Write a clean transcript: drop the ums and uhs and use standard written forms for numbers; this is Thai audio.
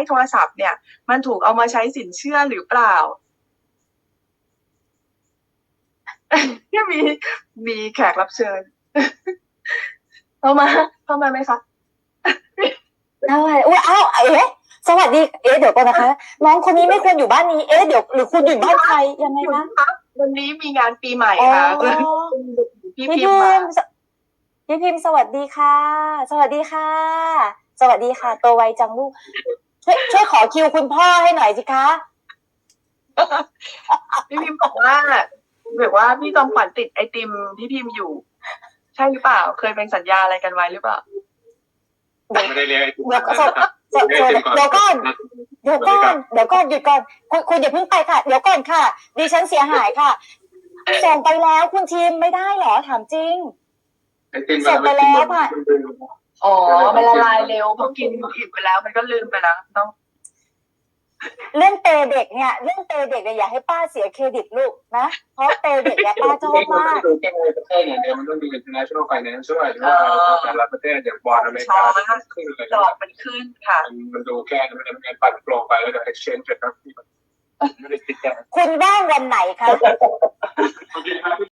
โทรศัพท์เนี่ย มันถูกเอามาใช้สินเชื่อหรือเปล่า ที่มีแขกรับเชิญ เข้ามาไหมคะได้อุ้ยอ้าวสวัสดีเดี๋ยวก่อนนะคะ น้องคนนี้ไม่ควรอยู่บ้านนี้เดี๋ยวหรือคุณอยู่บ้านใครยังไงนะวันนี้มีงานปีใหม่ค่ะพี่พิมพ์สวัสดีค่ะ สวัสดีค่ะ สวัสดีค่ะตัวไวจังลูกช่วยขอคิวคุณพ่อให้หน่อยสิคะพี่พิมพ์บอกว่าพี่จอมขวัญติดไอติมพี่พิมพ์อยู่ใช่หรือเปล่าเคยเป็นสัญญาอะไรกันไว้หรือเปล่าไม่ได้เรียกไอติมเดี๋ยวก่อนหยุดก่อนคุณอย่าเพิ่งไปค่ะเดี๋ยวก่อนค่ะดิฉันเสียหายค่ะส่งไปแล้วคุณทีมไม่ได้หรอถามจริงส่งไปแล้วค่ะมันละลายเร็วพอกินอิ่มไปแล้วมันก็ลืมไปแล้วต้องเรื่องเตเด็กเนี่ยอย่าให้ป้าเสียเครดิตลูกนะเพราะเตเด็กเนี่ยป้าชอบมากดูแค่ในประเทศอย่างเดียวมันต้องดู international finance ด้วยว่าแต่ละประเทศอย่างบอลอเมริกาขึ้นเลยดอกมันขึ้นค่ะมันดูแค่มันเป็นการปั่นโปรไปแล้วเดี๋ยว exchange จะครับไม่ได้ติดแค่คุณว่างวันไหนคะ